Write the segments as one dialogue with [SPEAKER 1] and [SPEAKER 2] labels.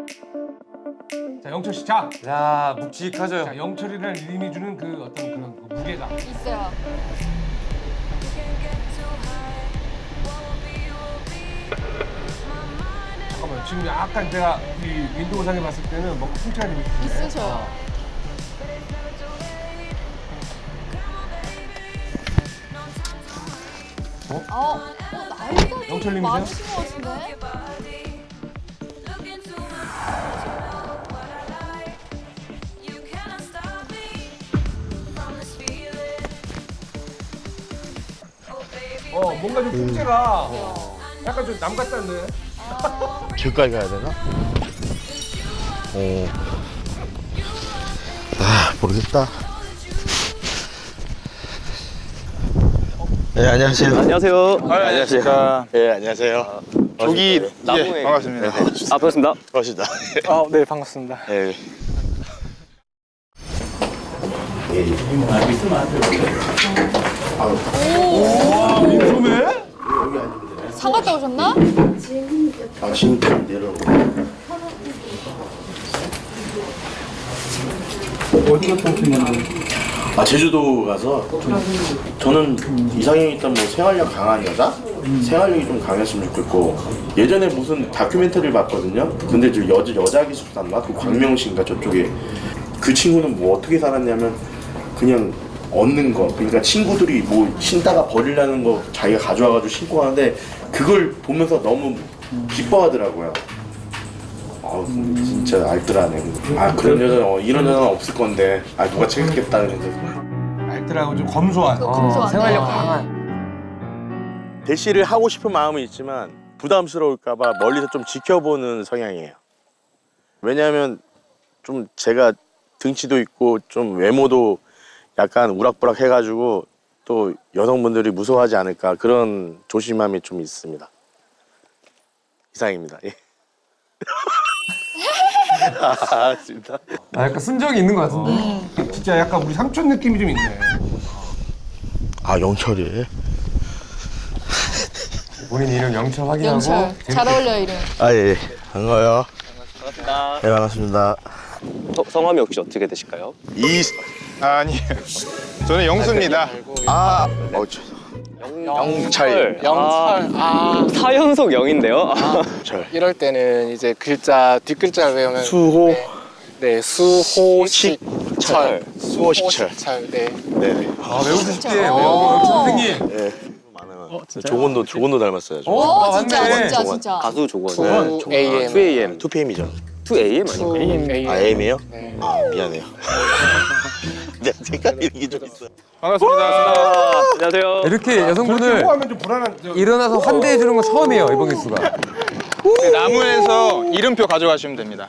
[SPEAKER 1] 자, 영철 씨, 자,
[SPEAKER 2] 야, 묵직하죠.
[SPEAKER 1] 자, 영철이라는 이름이 주는 그 어떤 그런 그 무게감.
[SPEAKER 3] 있어요.
[SPEAKER 1] 잠깐만, 지금 약간 제가 이 윈도우상에 봤을 때는 뭔가 훔쳐야 되는
[SPEAKER 3] 있으셔요. 나이가
[SPEAKER 1] 영철님이세요?
[SPEAKER 3] 많으신 것 같은데?
[SPEAKER 1] 뭔가 좀 풍채가 약간 좀 남 같다는데.
[SPEAKER 4] 길까지 가야 되나? 모르겠다. 네, 안녕하세요.
[SPEAKER 5] 안녕하세요.
[SPEAKER 4] 안녕하세요. 네, 안녕하세요.
[SPEAKER 5] 저기
[SPEAKER 4] 나무에.
[SPEAKER 5] 예, 반갑습니다.
[SPEAKER 4] 네,
[SPEAKER 5] 아 반갑습니다.
[SPEAKER 4] 반갑습니다.
[SPEAKER 5] 네 반갑습니다.
[SPEAKER 4] 네.
[SPEAKER 1] 민소매?
[SPEAKER 3] 상 갔다 오셨나?
[SPEAKER 4] 당신 내려오고.
[SPEAKER 6] 어디 갔다 오신 건데?
[SPEAKER 4] 제주도 가서 저는 이상형이 있던 뭐 생활력 강한 여자? 생활력이 좀 강했으면 좋겠고 예전에 무슨 다큐멘터리를 봤거든요. 근데 저 여자 기술사인가? 그 광명시인가 저쪽에 그 친구는 뭐 어떻게 살았냐면 그냥 얻는 거 그러니까 친구들이 뭐 신다가 버리려는 거 자기가 가져와가지고 신고 하는데 그걸 보면서 너무 기뻐하더라고요. 진짜 알뜰하네. 그런 여자는 이런 여자는 없을 건데 누가 챙겼겠다 그랬는데
[SPEAKER 1] 알뜰하고 좀 검소한.
[SPEAKER 3] 검소하네.
[SPEAKER 2] 생활력 강한.
[SPEAKER 4] 대시를 하고 싶은 마음은 있지만 부담스러울까봐 멀리서 좀 지켜보는 성향이에요. 왜냐하면 좀 제가 등치도 있고 좀 외모도 약간 우락부락 해가지고 또 여성분들이 무서워하지 않을까 그런 조심함이 좀 있습니다. 이상입니다. 예. 진짜.
[SPEAKER 2] 약간 순정이 있는 것 같은데.
[SPEAKER 1] 진짜 약간 우리 삼촌 느낌이 좀 있네.
[SPEAKER 4] 영철이.
[SPEAKER 2] 본인 이름 영철 확인하고.
[SPEAKER 3] 영철. 잘 어울려요, 이름.
[SPEAKER 4] 예. 반가워요.
[SPEAKER 5] 반갑습니다.
[SPEAKER 4] 네, 반갑습니다.
[SPEAKER 5] 성함이 혹시 어떻게 되실까요?
[SPEAKER 6] 아니에요. 저는 영수입니다.
[SPEAKER 4] 영철.
[SPEAKER 5] 사연속 영인데요.
[SPEAKER 7] 이럴 때는 이제 글자 뒷글자를 외우면
[SPEAKER 4] 수호.
[SPEAKER 7] 네 수호식철
[SPEAKER 4] 수호식철.
[SPEAKER 7] 네.
[SPEAKER 4] 네네.
[SPEAKER 1] 외우고 싶게. 영철 선생님.
[SPEAKER 4] 네. 많아요. 조건도 닮았어요.
[SPEAKER 3] 오, 진짜,
[SPEAKER 2] 맞네.
[SPEAKER 3] 진짜.
[SPEAKER 5] 가수 조건.
[SPEAKER 7] 2AM
[SPEAKER 5] 2AM.
[SPEAKER 4] 2PM이죠.
[SPEAKER 5] 2AM 아닌가요?
[SPEAKER 4] AM이요?
[SPEAKER 7] 네.
[SPEAKER 4] 미안해요. 내가 헷갈리는 게 좀 있어요.
[SPEAKER 6] 반갑습니다.
[SPEAKER 5] 안녕하세요.
[SPEAKER 2] 이렇게
[SPEAKER 1] 저렇게
[SPEAKER 2] 여성분을
[SPEAKER 1] 호하면 좀 불안한.
[SPEAKER 2] 일어나서 환대해 주는 건 처음이에요, 이번 기수가.
[SPEAKER 6] 나무에서 이름표 가져가시면 됩니다.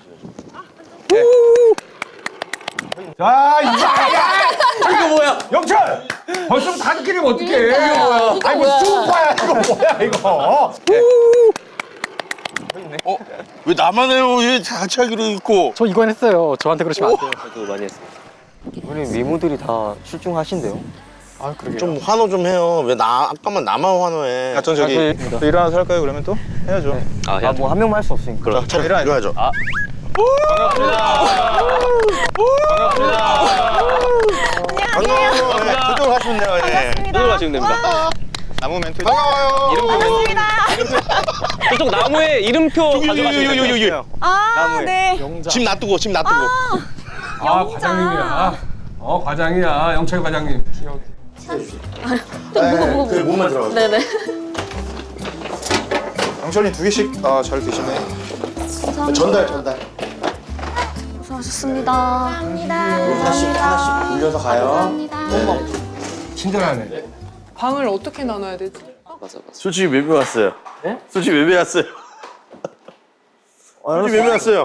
[SPEAKER 1] 자, 이거 뭐야? 영철! 벌써부터 하드캐리면 어떡해? 이거 뭐야? 아니, 뭐 슈퍼야, 이거 뭐야, 이거?
[SPEAKER 4] 왜 나만 해요? 왜 같이 하기로 했고?
[SPEAKER 7] 저 이건 했어요. 저한테 그러시면 안 돼요.
[SPEAKER 5] 저도 많이 했습니다. 이번에 미모들이 다 출중하신데요?
[SPEAKER 7] 아 그러게요.
[SPEAKER 4] 좀 환호 좀 해요. 왜 아까만 나만 환호해?
[SPEAKER 6] 전 저기 또 일어나서 할까요? 그러면 또 해야죠.
[SPEAKER 5] 뭐 한 명만 할 수 없으니까.
[SPEAKER 4] 자, 일어나죠. 반가워요. 네, 저쪽으로 가시면 돼요. 예.
[SPEAKER 5] 이쪽으로 가시면 됩니다.
[SPEAKER 6] 나무 멘트. 반가워요. 이름표 멘트.
[SPEAKER 5] 저쪽 나무에 이름표 가져가시면 됩니다.
[SPEAKER 8] 네.
[SPEAKER 4] 집 놔두고.
[SPEAKER 1] 과장님이야. 과장이야. 영철 과장님.
[SPEAKER 4] 그 몸만 들어가세요.
[SPEAKER 8] 네네.
[SPEAKER 6] 영철님 2개씩 잘 드시네.
[SPEAKER 4] 전달.
[SPEAKER 8] 수고하셨습니다.
[SPEAKER 4] 하나씩 돌려서 가요.
[SPEAKER 1] 친절하네.
[SPEAKER 9] 방을 어떻게 나눠야 되지?
[SPEAKER 5] 맞아.
[SPEAKER 4] 솔직히 왜 왔어요? 네? 솔직히 왜 왔어요? 솔직히 왜 왔어요?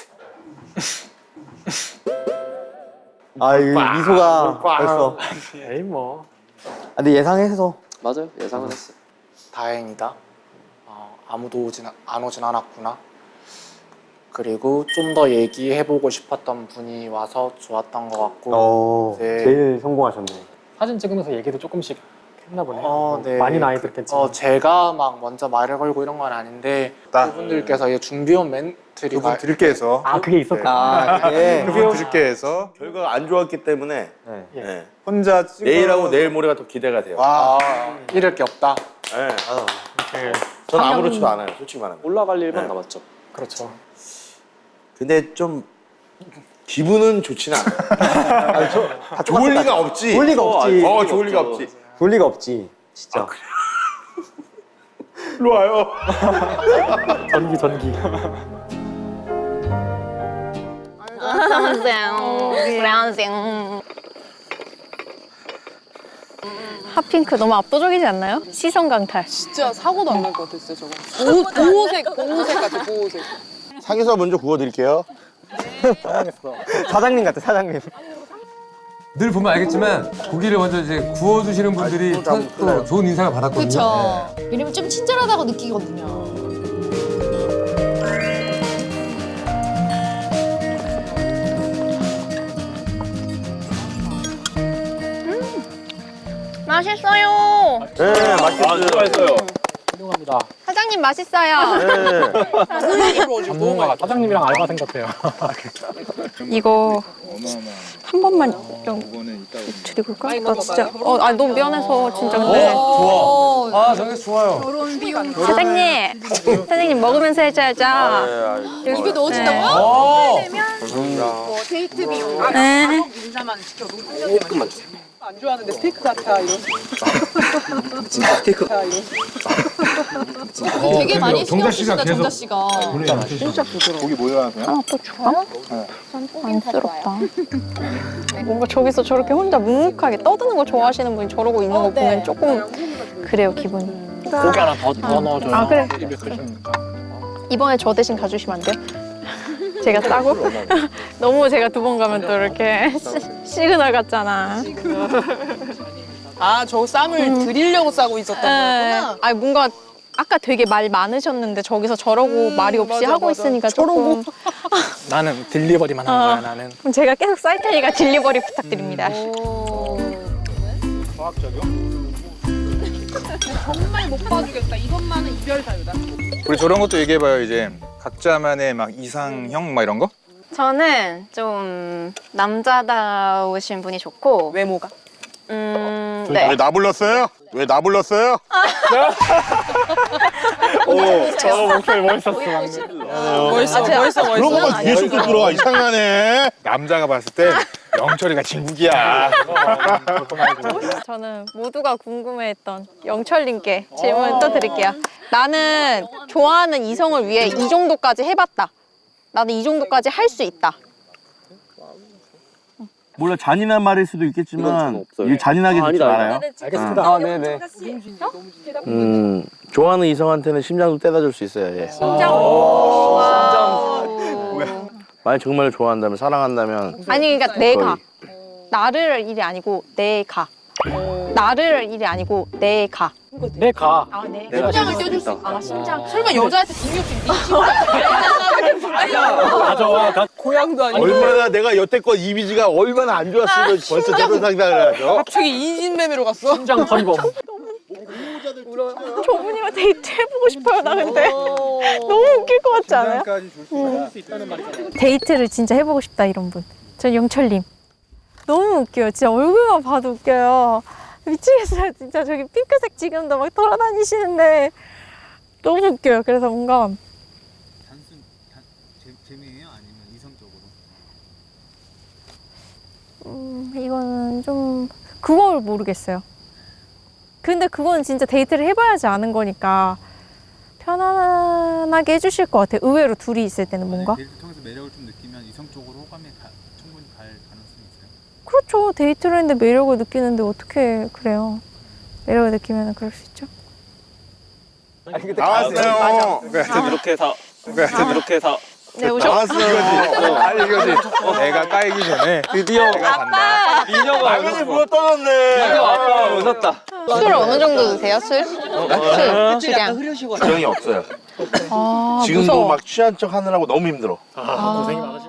[SPEAKER 10] 이거 미소가 벌써.
[SPEAKER 7] 에이 뭐
[SPEAKER 10] 근데 예상해서.
[SPEAKER 5] 맞아요. 예상은 했어요.
[SPEAKER 7] 다행이다. 아무도 안 오진 않았구나. 그리고 좀 더 얘기해보고 싶었던 분이 와서 좋았던 것 같고. 네.
[SPEAKER 10] 제일 성공하셨네.
[SPEAKER 7] 사진 찍으면서 얘기도 조금씩 했나 보네. 네.
[SPEAKER 5] 많이 나이 들겠지만.
[SPEAKER 7] 제가 막 먼저 말을 걸고 이런 건 아닌데 그분들께서 이제 준비온 멘트를
[SPEAKER 6] 그분 드릴게 해서.
[SPEAKER 5] 아 그게 있었구나.
[SPEAKER 10] 아, 예.
[SPEAKER 6] 그분 드릴게 해서.
[SPEAKER 4] 결과가 안 좋았기 때문에 네.
[SPEAKER 6] 혼자 찍어.
[SPEAKER 4] 내일하고 내일 모레가 더 기대가 돼요.
[SPEAKER 6] 와.
[SPEAKER 7] 잃을 게 없다.
[SPEAKER 4] 네. 저는 아무렇지도 않아요, 솔직히 말하면.
[SPEAKER 5] 올라갈 일만
[SPEAKER 4] 네.
[SPEAKER 5] 남았죠.
[SPEAKER 7] 그렇죠.
[SPEAKER 4] 근데 좀 기분은 좋지는 않아요. 좋을 리가 없지.
[SPEAKER 10] 좋을 리가 없지.
[SPEAKER 4] 좋을 리가 없지.
[SPEAKER 10] 좋을 리가 없지. 진짜.
[SPEAKER 4] 일로 와요.
[SPEAKER 5] 전기.
[SPEAKER 3] 핫핑크 너무 압도적이지 않나요? 시선 강탈.
[SPEAKER 9] 진짜 사고도 안 날 것 같아, 진짜 저거. 보호색 같아, 보호색.
[SPEAKER 4] 상에서 먼저 구워드릴게요.
[SPEAKER 10] 사장님 같아, 사장님.
[SPEAKER 2] 늘 보면 알겠지만 고기를 먼저 이제 구워주시는 분들이 또 좋은 인상을 받았거든요.
[SPEAKER 3] 그쵸. 왜냐면 좀 친절하다고 느끼거든요.
[SPEAKER 8] 맛있어요.
[SPEAKER 4] 네, 맛있어요.
[SPEAKER 8] 사장님 맛있어요.
[SPEAKER 5] 전문가 사장님이랑 알바생 같아요.
[SPEAKER 8] 이거 한 번만 좀 드리볼까? 나 진짜 너무 미안해서 진짜 근데
[SPEAKER 2] 아, 정말 좋아요.
[SPEAKER 8] 사장님 먹으면서 해줘야죠.
[SPEAKER 3] 입에 넣어준다고요?
[SPEAKER 9] 뭐 데이트 비용,
[SPEAKER 8] 네.
[SPEAKER 9] 인사만 시켜도 조금만 주세요. 안 좋아하는데 스테이크 같아 이런.
[SPEAKER 3] 되게 많이 신경
[SPEAKER 1] 정자 씨가
[SPEAKER 3] 쓰신다,
[SPEAKER 1] 계속
[SPEAKER 3] 정자 씨가.
[SPEAKER 9] 진짜 부드러워.
[SPEAKER 6] 고기 뭐 좋아하세요?
[SPEAKER 8] 하나 또 줄까? 안쓰럽다. 뭔가 저기서 저렇게 혼자 묵묵하게 떠드는 거 좋아하시는 분이 저러고 있는 거 보면 조금 그래요, 기분이.
[SPEAKER 5] 고기 하나 더 넣어줘요.
[SPEAKER 8] 아, 그래. 이번에 저 대신 가주시면 안 돼요? 제가 싸고? 너무 제가 두 번 가면 또 이렇게 시그널 같잖아.
[SPEAKER 9] 아, 저 쌈을 드리려고 싸고 있었던 거구나.
[SPEAKER 8] 아니 뭔가 아까 되게 말 많으셨는데 저기서 저러고 말이 없이
[SPEAKER 9] 맞아,
[SPEAKER 8] 하고
[SPEAKER 9] 맞아.
[SPEAKER 8] 있으니까 조금
[SPEAKER 5] 나는 딜리버리만 하는 거야 나는.
[SPEAKER 8] 그럼 제가 계속 쌀 테니까 딜리버리 부탁드립니다.
[SPEAKER 9] 정말 못 봐주겠다. 이것만은 이별 사유다.
[SPEAKER 6] 우리 저런 것도 얘기해봐요 이제. 각자만의 막 이상형 막 이런 거?
[SPEAKER 8] 저는 좀 남자다우신 분이 좋고
[SPEAKER 9] 외모가.
[SPEAKER 8] 네.
[SPEAKER 6] 왜 나 불렀어요? 왜 나 불렀어요?
[SPEAKER 5] 저 목소리 멋있었어 방금.
[SPEAKER 9] 멋있어.
[SPEAKER 6] 그런 것만 계속 또 들어와 이상하네. 남자가 봤을 때 영철이가 진국이야.
[SPEAKER 8] 저는 모두가 궁금해했던 영철님께 질문 또 드릴게요. 나는 좋아하는 이성을 위해 이 정도까지 해봤다. 나는 이 정도까지 할 수 있다.
[SPEAKER 4] 몰라 잔인한 말일 수도 있겠지만 이게 잔인하게 듣지 않아요?
[SPEAKER 5] 알겠습니다.
[SPEAKER 10] 아, 네네.
[SPEAKER 4] 좋아하는 이성한테는 심장도 떼다 줄 수 있어요. 예.
[SPEAKER 8] 심장.
[SPEAKER 4] 만약 정말 좋아한다면 사랑한다면
[SPEAKER 8] 아니 그러니까 내가 나를 일이 아니고 내가 나를 일이 아니고 내가
[SPEAKER 5] 내 가.
[SPEAKER 8] 아 네.
[SPEAKER 9] 심장을 떼줄 수 있다.
[SPEAKER 8] 아 심장.
[SPEAKER 9] 설마 여자한테 중요없이 네
[SPEAKER 5] 맞아.
[SPEAKER 9] 고향도 아니고.
[SPEAKER 4] 얼마나 내가 여태껏 이미지가 얼마나 안 좋았으면 벌써 저런 상상을 하죠.
[SPEAKER 9] 갑자기 인신매매로 갔어.
[SPEAKER 5] 심장 털범.
[SPEAKER 8] 저분이랑 데이트 해보고 싶어요. 나 근데 너무 웃길 것 같지 않아요? 데이트를 진짜 해보고 싶다 이런 분. 전 영철님. 너무 웃겨요. 진짜 얼굴만 봐도 웃겨요. 미치겠어요. 진짜 저기 핑크색 지금도 막 돌아다니시는데 너무 웃겨요. 그래서 뭔가
[SPEAKER 11] 단순 재미예요? 아니면 이성적으로?
[SPEAKER 8] 이거는 좀 그걸 모르겠어요. 근데 그건 진짜 데이트를 해봐야지 아는 거니까 편안하게 해주실 것 같아요. 의외로 둘이 있을 때는 뭔가.
[SPEAKER 11] 데이트 통해서 매력을 좀 느끼면 이성적으로 호감이 충분히 갈 가능성이 있어요?
[SPEAKER 8] 그렇죠. 데이트를 했는데 매력을 느끼는데 어떻게 그래요. 매력을 느끼면 그럴 수 있죠.
[SPEAKER 6] 나왔어요.
[SPEAKER 5] 이렇게 해서
[SPEAKER 8] 네, 오셨
[SPEAKER 6] 아니 이거지. 내가 까이기 전에 드디어 내가 간다.
[SPEAKER 5] 민혁아
[SPEAKER 4] 당연히 물어 떠났네.
[SPEAKER 5] 아빠 웃었다.
[SPEAKER 8] 술 어느 정도 드세요? 술? 주량.
[SPEAKER 4] 정이 없어요.
[SPEAKER 8] 아,
[SPEAKER 4] 지금도
[SPEAKER 8] 무서워.
[SPEAKER 4] 막 취한 척 하느라고 너무 힘들어.
[SPEAKER 5] 고생이 많으시.